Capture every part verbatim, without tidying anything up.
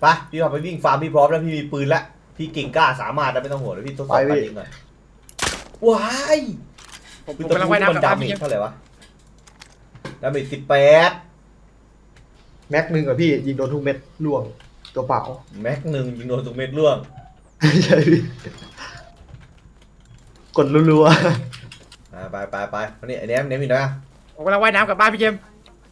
ไปพี่พาไปวิ่งฟาร์มพี่พร้อมแล้วพี่มีปืนแล้วพี่เก่งกล้าสามารถแล้วไม่ต้องห่วงเลยพี่ทดสอบการยิงหน่อยว้ายผมกำลังว่ายน้ำกับดาบ้านเมพี่จเท่าไหร่วะดาเมจสิบแปดแม็กหนึ่งอะพี่ยิงโดนทุกเม็ดล่วงตัวเปล่าแม็กหนึ่งยิงโดนทุกเม็ดร่วงใช่พี่กดรัวไปไปไปไปนี่ไอ้เนี้ยเนี้ยมีนะผมกำลังว่ายน้ำกับบ้านพี่เจมส์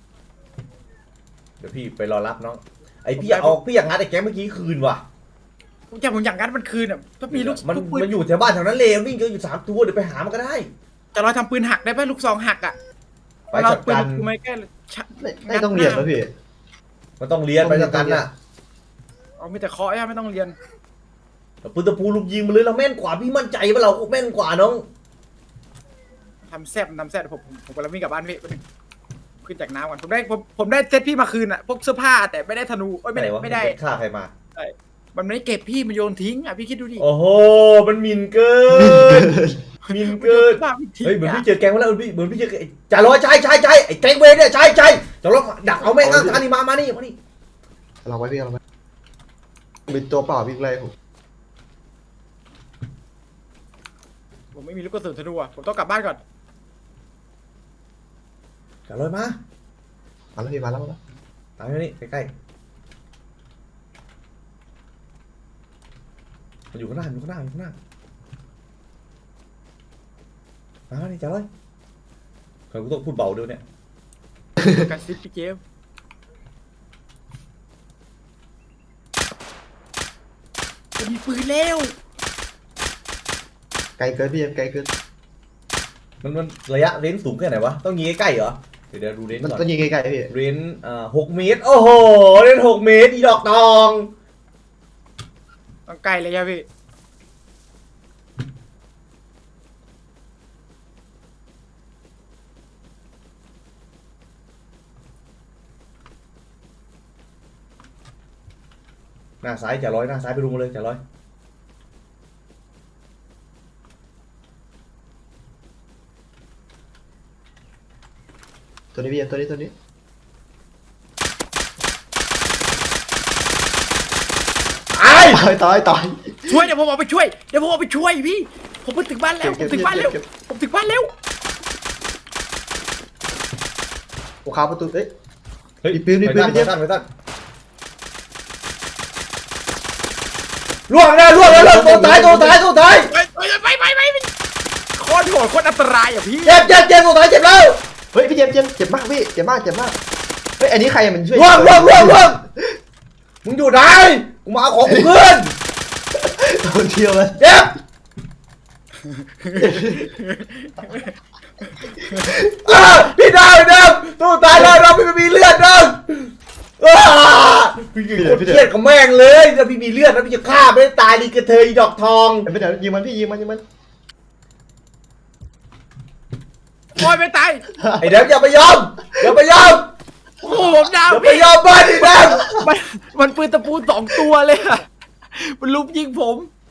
เดี๋ยวพี่ไปรอรับน้องไอพี่อยากเอาพี่อยากงัดไอ้แก๊งเมื่อกี้คืนว่ะผมจำผมอย่างนั้นมันคืนอ่ะถ้ามีลูกมันลูกปืนมันอยู่แถวบ้านแถวนั้นเลยวิ่งเจออยู่สามตัวเดี๋ยวไปหามันก็ได้จะรอยทำปืนหักได้ไหมลูกซองหักอ่ะไปจัดการปืนไม่แก้ๆไม่ไม่ต้องเรียนแล้วพี่มันต้องเรียนไปจัดการน่ะเอาไม่แต่เคาะใช่ไม่ต้องเรียนปืนตะปูลูกยิงมาเลยเราแม่นกว่าพี่มั่นใจว่าเราแม่นกว่าน้องทำแซ่บทำแซ่บผมผมผมกำลังวิ่งกลับบ้านพี่ขึ้นจากน้ำก่อนผมได้ผมผมได้เซตพี่มาคืนอ่ะพวกเสื้อผ้าแต่ไม่ได้ธนูเอ้ยไม่ได้หนวะไม่ได้นฆ่าใครมามันไม่ได้เก็บพี่มันโยนทิ้งอ่ะพี่คิดดูดิโอ้โหมันหมินเกินหมินเกินบ้าพี่ทิ้งเฮ้ยเหมือนอ่ะพี่เจอแกงมาแล้วเหมือนพี่เหมือนพี่เจอจ่าร้อยใช่ใช่ใช่ไอ้แกงเวรเนี่ยใช่ใช่จ่าร้อยดักเอาแม่งข้างทางนี่มามานี่มานี่เราไว้พี่เราไว้เป็นตัวเปล่าวิ่งไล่ผมผมไม่มีลูกกระสุนธนูอ่ะผมต้องกลับบ้านก่อนจ่าร้อยมามาแล้วพี่มาแล้วมาแล้วตามมานี่ใกล้ๆมันอยู่ข้างหน้าอยู่ข้างหน้าอยู่ข้างหน้ามาดิจ่าร้อยเคยกูต้องพูดเบาด้วยเนี่ยกระซิบพี่เจมส์จะมีปืนแล้วไกลเกินพี่ไกลเกินมันมันระยะเรนจ์สูงแค่ไหนวะต้องยิงใกล้ๆเหรอเดี๋ยวเดี๋ยวดูเรนจ์มันก่อนต้องยิงไกลๆพี่เรนจ์อ่าหกเมตรโอ้โหเรนจ์หกเมตรอีดอกทองต้องไกลเลยใช่พี่หน้าซ้ายจ่าร้อยหน้าซ้ายไปรุมมาเลยจ่าร้อยตัวนี้พี่ตัวนี้ตัวนี้ไอ้ตายตายตายช่วยเดี๋ยวผมเอาไปช่วยเดี๋ยวผมเอาไปช่วยพี่ผมไปถึงบ้านแล้วผมถึงบ้านแล้วผมถึงบ้านแล้วโอ้ขาประตูเอ้ยเฮ้ยมีปืนมีปืนไปพี่เจตั้มงส์ไปตั้งไปตั้งล่วงนะล่วงนะล่วงตัวตายตัวตายตัวตายไปไปไปไปไปโคตรโหดโคตรอันตรายอ่ะพี่เจ็บเจ็บเจ็บตัวตายเจ็บแล้วเฮ้ยพี่เจมส์เจมส์เจ็บมากพี่เจ็บมากเจ็บมากเฮ้ยอันนี้ใครมันช่วยล่วงล่วงล่วงล่วงมึงอยู่ไหนกูมาเอาของกูขึ้นโดนเที่ยวเลยเจ็บอ่าพี่ดาวพี่ดาวตัวตายแล้วเราไม่มีเลือดนะอ่าพี่เครียดกับแม่งเลยถ้าพี่มีเลือดแล้วพี่จะฆ่าไม่ได้ตายดีกระเทยดอกทองไม่เดี๋ยวยิงมันพี่ยิงมันยิงมันโอยไม่ตายไอ้เด็กอย่าไปยอมอย่าไปยอมโอ้โหผมดาวอย่าไปพี่ยอมบ้านดิแดงมันมันปืนตะปูสองตัวเลยอะมันลุมยิงผม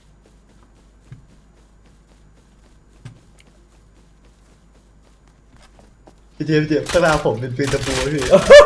พี่เจมส์พี่เจมส์ข้างหน้าผมเป็นปืนตะปูพี่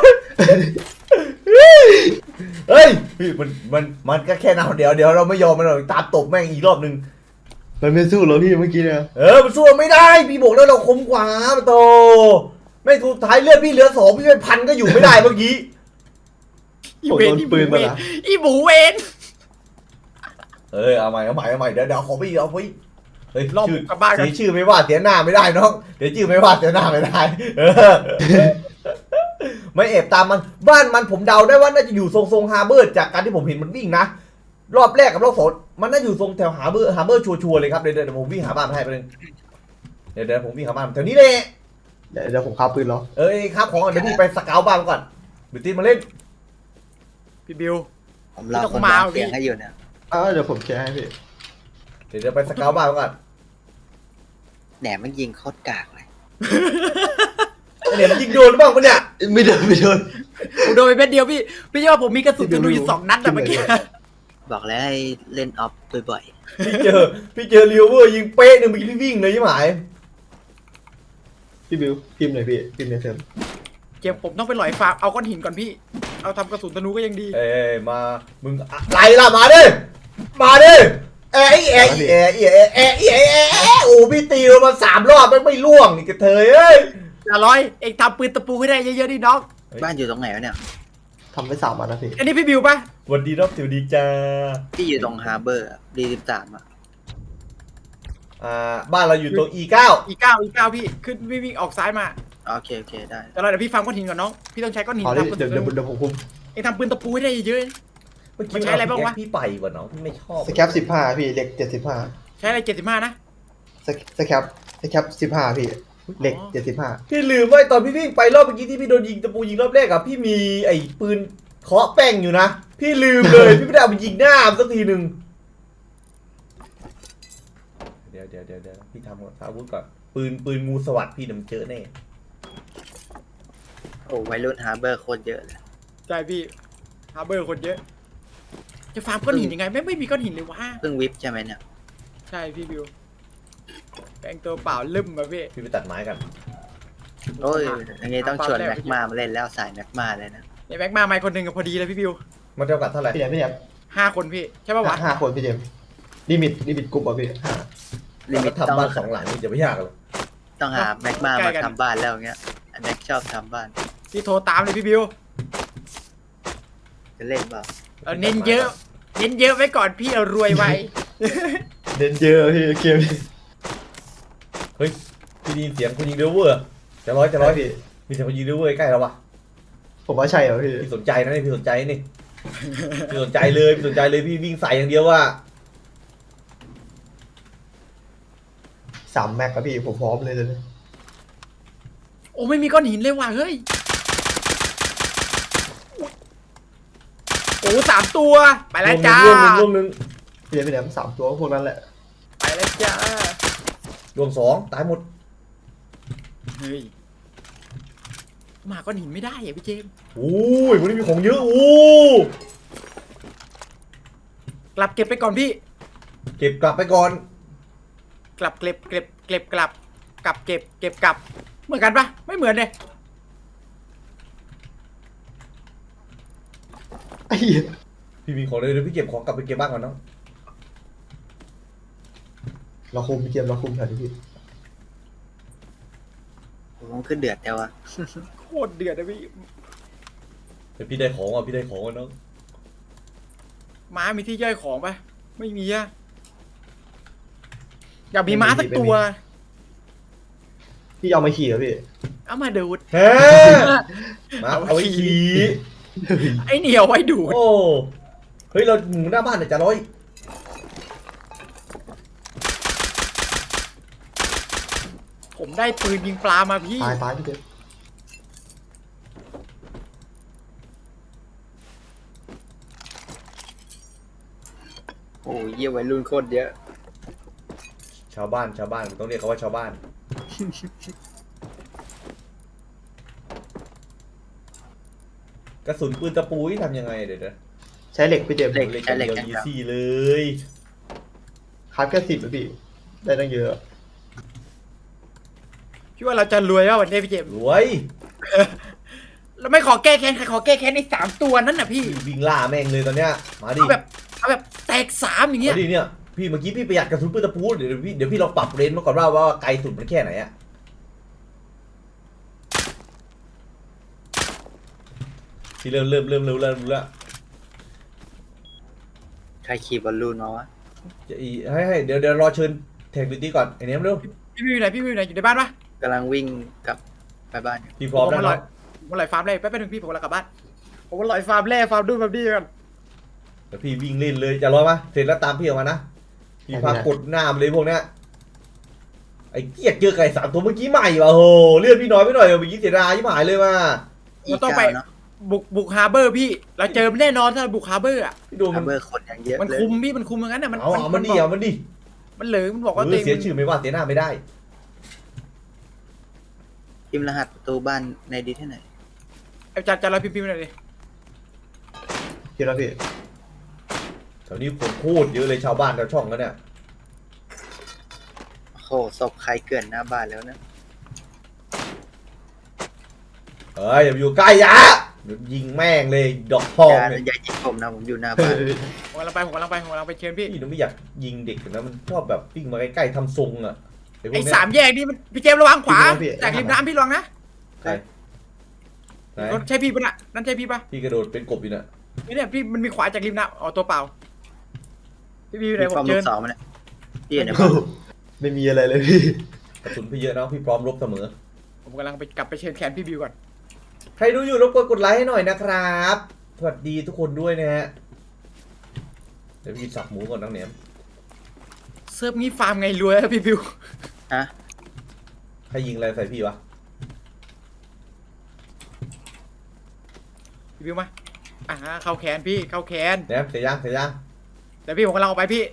เฮ้ยพี่มันมันมันก็แค่นาเดี๋ยวเดี๋ยวเราไม่ยอมมันหรอกตามตบแม่งอีกรอบนึงมันไม่สู้เราพี่เมื่อกี้เนี่ยเออมันสู้ไม่ได้พี่บอกแล้วเราคมกว่าโตไม่สุดท้ายเลือดพี่เหลือสองพี่เป็นพันก็อยู่ไม่ได้เมื่อกี้อีเวนอีบูเวนอีบูเวนเออเอาใหม่เอาใหม่เอาใหม่เดี๋ยวเดี๋ยวขอพี่เอาไปเฮ้ยรอบชื่อกับบ้านกันเสียชื่อไม่ว่าเสียหน้าไม่ได้น้องเดี๋ยวชื่อไม่ว่าเสียหน้าไม่ได้เออไม่เอบตามมันบ้านมันผมเดาได้ว่าน่าจะอยู่ทรงทรงฮาร์เบอร์จากการที่ผมเห็นมันวิ่งนะรอบแรกกับรอบสองมันน่าอยู่ทรงแถวฮาร์เบอร์ฮาร์เบอร์ชัวร์ๆเลยครับเดี๋ยวเดี๋ยวผมวิ่งหาบ้านให้ไปเลยเดี๋ยวเดี๋ยวผมวิ่งหาบ้านแถวนี้เลยเดี๋ยวเดี๋ยวผมคาปืนเหรอเอ้ยครับของก่อนเดี๋ยวพี่ไปสเกลบ้านก่อนบิวตี้มาเล่นพี่บิวผมรอไม่ต้องคนมามาเอาเสียงดิให้อยู่เนี่ยอ้าวเดี๋ยวผมแชร์ให้พี่เดี๋ยวเดี๋ยวไปสเกลบ้านก่อนแหนมมันยิงโคตรกากเลยไอ้เนี่ยมันยิงโดนหรือเปล่าปะเนี่ยไม่โดนไม่โดนผมโดนไปเม็ดเดียวพี่พี่ว่าผมมีกระสุนธนูอยู่สองนัดอะเมื่อกี้บอกแล้วให้เล่นออฟบ่อยพี่เจอพี่เจอริวเวอร์ยิงเป๊ะหนึ่งเมื่อกี้พี่วิ่งเลยใช่ไหมพี่บิวพิมพ์หน่อยพี่พิมพ์ในเทอมเก็บผมต้องไปหลอยฟาร์มเอาก้อนหินก่อนพี่เอาทำกระสุนธนูก็ยังดีเอ้ยมามึงอะไรล่ะมาดิมาดิเอ้ยเอ้ยเอ้ยเอ้ยเอ้ยเอ้ยเอ้ยเอ้ยโอ้พี่ตีเรามาสามรอบไม่ไม่ล่วงนี่กระเทยเอ้ยอย่าร้อยเองทำปืนตะปูให้ได้เยอะๆดิน้องบ้านอยู่ตรงไหนวะเนี่ยทำไปสามวันนะพี่อันนี้พี่บิวปะวันดีรับสวัสดีจ้าพี่อยู่ตรงฮาร์เบอร์ดีสิบสามอ่ะอ่าบ้านเราอยู่ตรง อี เก้าอีเก้าอีเก้าพี่ขึ้นวิ่งวิ่งออกซ้ายมาโอเคโอเคได้เดี๋ยวเราเดี๋ยวพี่ฟาร์มก้อนหินก่อนน้องพี่ต้องใช้ก้อนหินเอาดิทำกระเดี๋สุยวนธเดี๋ยวนูเดี๋ยวผมคุมเองทำปืนตะปูให้ได้เยอะเมื่อกี้มันใช้อะไรบ้างวะพี่ไปว่ะน้องพี่ไม่ชอบสแคปสิบห้าพี่เหล็กเจ็ดสิบห้าๆใช้อะไรเจ็ดสิบห้านะสแคปสแคปสิบห้าพี่เหล็กอ๋อเจ็ดสิบห้าพี่ลืมไว้ตอนพี่วิ่งไปรอบเมื่อกี้ที่พี่โดนยิงตะปูยิงรอบแรกอะพี่มีไอ้ปืนเคาะแป้งอยู่นะพี่ลืมเลย พี่ไม่ได้เอาไปยิงหน้ามันสักทีหนึ่งเดี๋ยวเดี๋ยวเดี๋ยวเดี๋ยวพี่ทำก่อนอาวุธก่อนปืนปืนงูสวัสดพี่นำเจอแน่โอ้วัยรุ่นฮาร์เบอร์โคตรเยอะเลยใช่พี่ฮาร์เบอร์คนเยอะ จะฟาร์มก้อนหินยังไงไม่ไม่มีก้อนหินเลยวะเพิ่งวิปใช่ไหมเนี่ยใช่พี่บิวแปลงตัวเปล่าลืมมาพี่พี่ไปตัดไม้กันโอ้ยอย่างงี้ต้องชวนตอนแรกแม็กมามาเล่นแล้วสายแม็กมาเลยนะในแม็กมาไม่คนหนึ่งกับพอดีเลยพี่บิวมันเท่ากับเท่าไหร่พี่แดมพี่แดมห้าคนพี่ใช่ป่าวะห้าคนพี่เจมส์ลิมิตลิมิตกลุ่มอ่ะพี่ห้าลิมิตทำต้องบ้านสองหลังนี่จะไม่ยากหรอกต้องหาแม็กมามาทำบ้านแล้วเงี้ยอันแม็กชอบทำบ้านพี่โทรตามเลยพี่บิวจะเล่นเปล่าเออเน้นเยอะเน้นเยอะไว้ก่อนพี่เอารวยไวเด่นเยอะพี่เกมนี้เฮ้ยพี่ได้ยินเสียงคนยิงเดวเวอร์จะร้อยจะร้อยพี่มีเสียงคนยิงเดวเวอร์ใกล้เราวะผมว่าใช่เหรอพี่พี่สนใจนะนี่พี่สนใจนี่พี่สนใจเลยพี่สนใจเลยพี่วิ่งใส่อย่างเดียวว่าสามแม็กครับพี่ผมพร้อมเลยเลยโอ้ไม่มีก้อนหินเลยว่ะเฮ้ยโอ้สามตัวไปแล้วจ้าร่วงหนึ่งร่วงหนึ่งพี่แดมพี่แดมสามตัวพวกนั้นแหละไปแล้วจ้าร่วงสองตายหมดเฮ้ยมาก้อนหินไม่ได้อะพี่เจมส์โอ้ยวันนี้มีของเยอะโอ้กลับเก็บไปก่อนพี่เก็บกลับไปก่อนกลับเก็บเก็บเก็บกลับกลับเก็บเก็บกลับเหมือนกันปะไม่เหมือนเลยไอ้เหี้ยพี่มีของเลยเดี๋ยวพี่เก็บของกลับไปเก็บบ้านก่อนเนาะเราคุมพี่เกมเราคุมแถวนี้พี่ผมขึ้นเดือดแต่ว่าโคตรเดือดนะพี่เดี๋ยวพี่ได้ของอ่ะพี่ได้ของอ่ะเนาะม้ามีที่ย่อยของปะไม่มีอะอยากมีม้าสักตัวพี่เอามาขี่เหรอพี่เอามาดูดเฮ้มาเอาไว้ขี่ไอเหนียวไว้ดูดโอ้เฮ้ยเราหมูหน้าบ้านเนี่ยจะร้อยผมได้ปืนยิงปลามาพี่ตายตายพี่เจมส์โอ้ยเยี่ยวัยรุ่นโคตรเยอะชาวบ้านชาวบ้านต้องเรียกเขาว่าชาวบ้าน กระสุนปืนตะปูที่ทำยังไงเดี๋ยวนะใช้เหล็กพี่เจมส์เหล็กเล่นใช้กันเหล็กเดียวกันอีครับซี่เลยคาร์ดแค่สิบอะพี่ได้ตั้งเยอะพี่ว่าเราจะรวยว่าวันนี้พี่เจมส์รวยเราไม่ขอแก้แค้นใครขอแก้แค้นในสามตัวนั้นน่ะพี่วิ่งล่าแม่งเลยตอนเนี้ยมาดิเอาแบบเอาแบบแตกสามอย่างเงี้ยมาดิเนี่ยพี่เมื่อกี้พี่ประหยัดกระสุนปืนตะปูเดี๋ยวพี่เดี๋ยวพี่ลองปรับเรนจ์มาก่อนว่าว่าไกลสุดมันแค่ไหนอะพี่เริ่มเริ่มเริ่มเริ่มเริ่มรู้แล้วใครขี่บอลลูนมาวะจะอีให้ให้เดี๋ยวเดี๋ยวรอเชิญแท็กบิวตี้ก่อนไอ้เนี้ยเร็วพี่วิวไหนพี่วิวไหนอยู่ในบ้านปะกำลังวิ่งกลับไปบ้านอยู่พี่พร้อมผมแล้วมาลอยเนาะผมมาลอยฟาร์มแรกแป๊บนึงพี่ผมกำลังกลับบ้านผมมาลอยฟาร์มแรกฟาร์มดูแบบนี้กันเดี๋ยวพี่วิ่งเล่นเลยจะรอมาเสร็จแล้วตามพี่ออกมานะพี่พากดหน้ามันเลยพวกเนี้ยไอ้เกียกเจอไก่สามตัวเมื่อกี้ใหม่ว่ะโหเลือดพี่น้อยไปหน่อยเมื่อกี้เสียดายยิ่งหายเลยว่ะเราต้องไปเนาะบุกบุกฮาร์เบอร์พี่เราเจอมันแน่นอนถ้าเราบุกฮาร์เบอร์อ่ะพี่โดนฮามันร์เบอร์คนยังเยอะมันเลยคุมพี่มันคุมอย่างนั้นน่ะมันเอาเอามันดิเอามันดิมันเหลือมันบอกเอว่าอตัวเองเสียชื่อไม่ว่าเสียหน้าไม่ได้พิมพ์รหัสประตูบ้านในดีที่ไหนไอ้จัดจัดเราพิมพ์พิมพ์หน่อยดิพี่แล้วพี่แถวนี้คนโคตรเยอะเลยชาวบ้านชาวช่องกันเนี่ยโอ้โหศพใครเกลื่อนหน้าบ้านแล้วนะเอ้ยอย่าอยู่ใกล้ยะเดี๋ยวยิงแม่งเลยดอกทองอย่าเนี่ยอย่ายิงผมนะผมอยู่หน้าเอบ้านอผมกำลังไปผมกำลังไปผมกำลังไปเชิญพี่พี่หนูไม่อยากยิงเด็กนะมันชอบแบบวิ่งมาใกล้ๆทำทรงอะไอ้พวไอ้กเนี้ยสามแยกนี่มันพี่เจมส์ระวังขวาจากริมน้ำพี่ระวังนะใช่ไหนรถใช่พี่ปะน่ะนั่นใช่พี่ปะพี่กระโดดเป็นกบอยู่น่ะไม่เนี่ยพี่มันมีขวาจากริมน้ำอ๋อตัวเปล่าพี่พี่อยู่ไหนมีผความมเชิลูญกสองมันเนี่ยพี่เนี่ยไม่มีอะไรเลยพี่กระสุนพี่เยอะนะพี่พร้อมรบเสมอผมกำลังไปกลับไปเชิญแขนพี่บิวก่อนใครดูอยู่รบกวนกดไลค์ให้หน่อยนะครับสวัสดีทุกคนด้วยนะฮะเดี๋ยวพี่สับหมูก่อนน้องเหนียมเซิร์ฟงี้ฟาร์มไงรวยอะพี่บิวฮะใครยิงอะไรใส่พี่วะพี่บิวมาอ่าเข้าแขนพี่เข้าแขนเหนียมเสียยังเสียยังเดี๋ยวพี่ผมกำลังออกไปพี่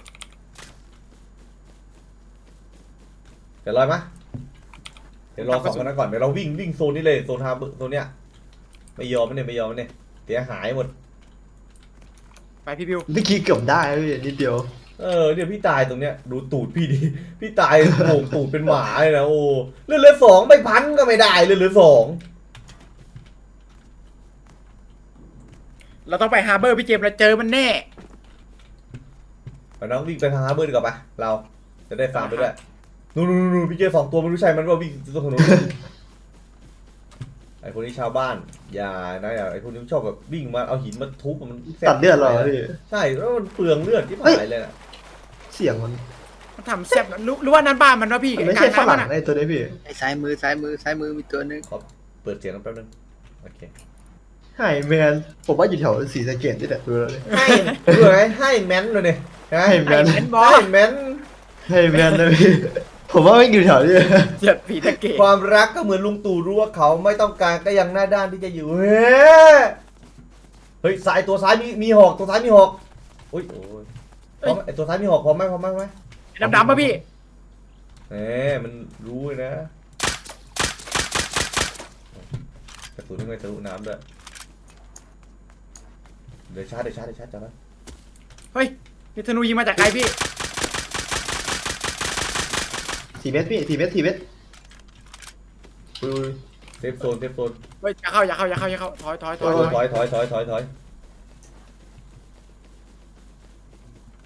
เดี๋ยวลอยมะเดี๋ยวรอสองคนนั้นก่อนเดี๋ยวเราวิ่งวิ่งโซนนี้เลยโซนฮาร์เบอร์โซนเนี้ยไม่ยอมไม่เนี่ยไม่ยอมไม่เนี่ยเสียหายหมดไปพี่บิวเมื่อกี้เกือบได้แล้วพี่นิดเดียวเออเดี๋ยวพี่ตายตรงเนี้ยดูตูดพี่ดิพี่ตายโป่งตูดเป็นหมาเลยนะโอ้เลือดเหลือสองไม่พันก็ไม่ได้เลือดเหลือสองเราต้องไปฮาร์เบอร์พี่เจมส์เราเจอมันแน่ไปน้องวิ่งไปทางฮาร์เบอร์ดีกว่าปะเราจะได้ฟาร์มไปด้วยนู่นนู่นนู่นพี่เจสองตัวไม่รู้ใช่มันว่าวิ่งตรงถนน ไอคนนี้ชาวบ้านอย่านะอย่าไอคนนี้ชอบแบบวิ่งมาเอาหินมาทุบมันแสบตัดเลือดเหรอพี่ใช่แล้วมันเปลืองเลือดที่เฮ้ยหายเลยนะเสียงมันมันทำแซ่บนะรู้รู้ว่านั่นบ้านมันวะพี่มันไม่กลาใช่งฝน้ำรั่มังนอะไอ้ตัวนี้พี่ไอ้ซ้ายมือซ้ายมือซ้ายมือมีตัวนึงขอเปิดเสียงแป๊บนึงโอเคไฮแมนผมว่าอยู่แถวสีสะเกดนี่แหละดูแล้วเลยให้ดูไงให้แมนเลยเนี่ยนะให้แมนไอ้แมนบอให้สแมนไฮแมนนะพี่ผมว่าไม่อยู่แถวนี้เจ็บผีตะเกียบความรักก็เหมือนลุงตู่รู้ว่าเขาไม่ต้องการก็ยังหน้าด้านที่จะอยู่เฮ้ยเฮ้ยสายตัวซ้ายมีมีหอกตัวซ้ายมีหอกอุ้ยโอ้ยพร้อมไหมไอตัวซ้ายมีหอกพร้อมไหมพร้อมไหมพร้อมไหมดำๆป่ะพี่แหมมันรู้เลยนะกระสุนยังไงทะลุน้ำด้วยเดี๋ยวชาร์จเดี๋ยวชาร์จเดี๋ยวชาร์จจับไว้เฮ้ยนี่ธนูยิงมาจากไกลพี่สี่เมตรพี่สี่เมตรสี่เมตรอุ้ยเซฟโซนเซฟโซนเฮ้ยอย่าเข้าอย่าเข้าอย่าเข้าอย่าเข้าถอยถอยถถออย ยถอยถอยถอยถอยถอย